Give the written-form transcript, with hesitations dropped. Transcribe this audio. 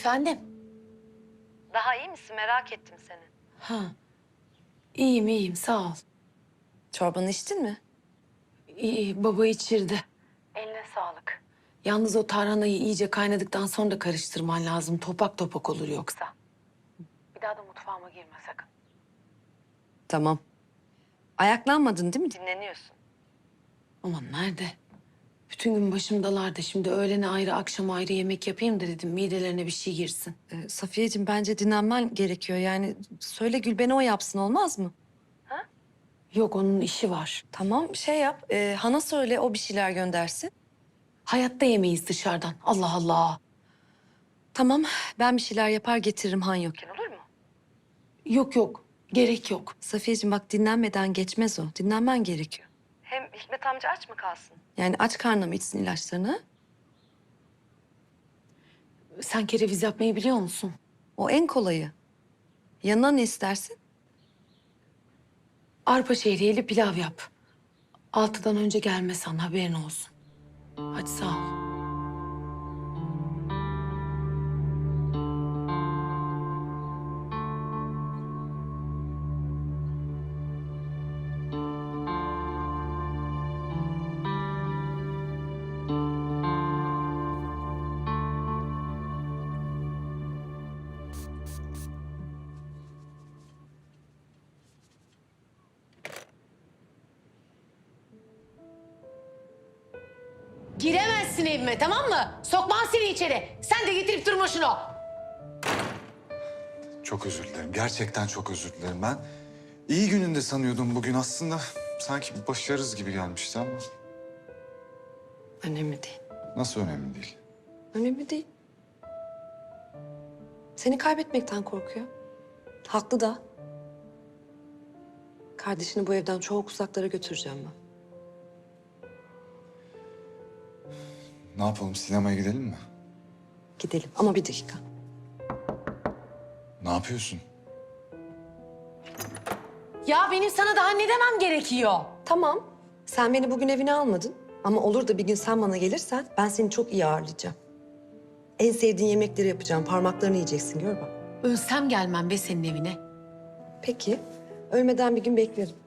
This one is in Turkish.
Efendim? Daha iyi misin? Merak ettim seni. Ha. İyiyim sağ ol. Çorbanı içtin mi? İyi baba içirdi. Eline sağlık. Yalnız o tarhanayı iyice kaynadıktan sonra da karıştırman lazım. Topak topak olur yoksa. Bir daha da mutfağıma girme sakın. Tamam. Ayaklanmadın değil mi? Dinleniyorsun. Aman nerede? Bütün gün başımdalardı. Şimdi öğlene ayrı, akşam ayrı yemek yapayım da dedim midelerine bir şey girsin. Safiyeciğim bence dinlenmen gerekiyor. Yani söyle Gülben'e o yapsın olmaz mı? Yok onun işi var. Tamam şey yap. Han'a söyle o bir şeyler göndersin. Hayatta yemeyiz dışarıdan. Allah Allah. Tamam ben bir şeyler yapar getiririm Han yokken olur mu? Yok gerek yok. Safiyeciğim bak dinlenmeden geçmez o. Dinlenmen gerekiyor. Hem Hikmet amca aç mı kalsın? Yani aç karnına mı içsin ilaçlarını? Sen kereviz yapmayı biliyor musun? O en kolayı. Yanına ne istersin? Arpa şehriyeli pilav yap. 6'dan önce gelmesen haberin olsun. Hadi sağ ol. Giremezsin evime tamam mı? Sokmam seni içeri. Sen de getirip durma şunu. Çok özür dilerim. Gerçekten çok özür dilerim. Ben iyi gününde sanıyordum bugün. Aslında sanki başarırız gibi gelmişti ama Önemli değil. nasıl önemli değil. Önemli değil. Seni kaybetmekten korkuyor. Haklı da. Kardeşini bu evden çok uzaklara götüreceğim ben. Ne yapalım, sinemaya gidelim mi? Gidelim ama bir dakika. Ne yapıyorsun? Ya benim sana daha ne demem gerekiyor? Tamam. Sen beni bugün evine almadın. Ama olur da bir gün sen bana gelirsen ben seni çok iyi ağırlayacağım. En sevdiğin yemekleri yapacağım. Parmaklarını yiyeceksin gör bak. Ölsem gelmem be senin evine. Peki. Ölmeden bir gün beklerim.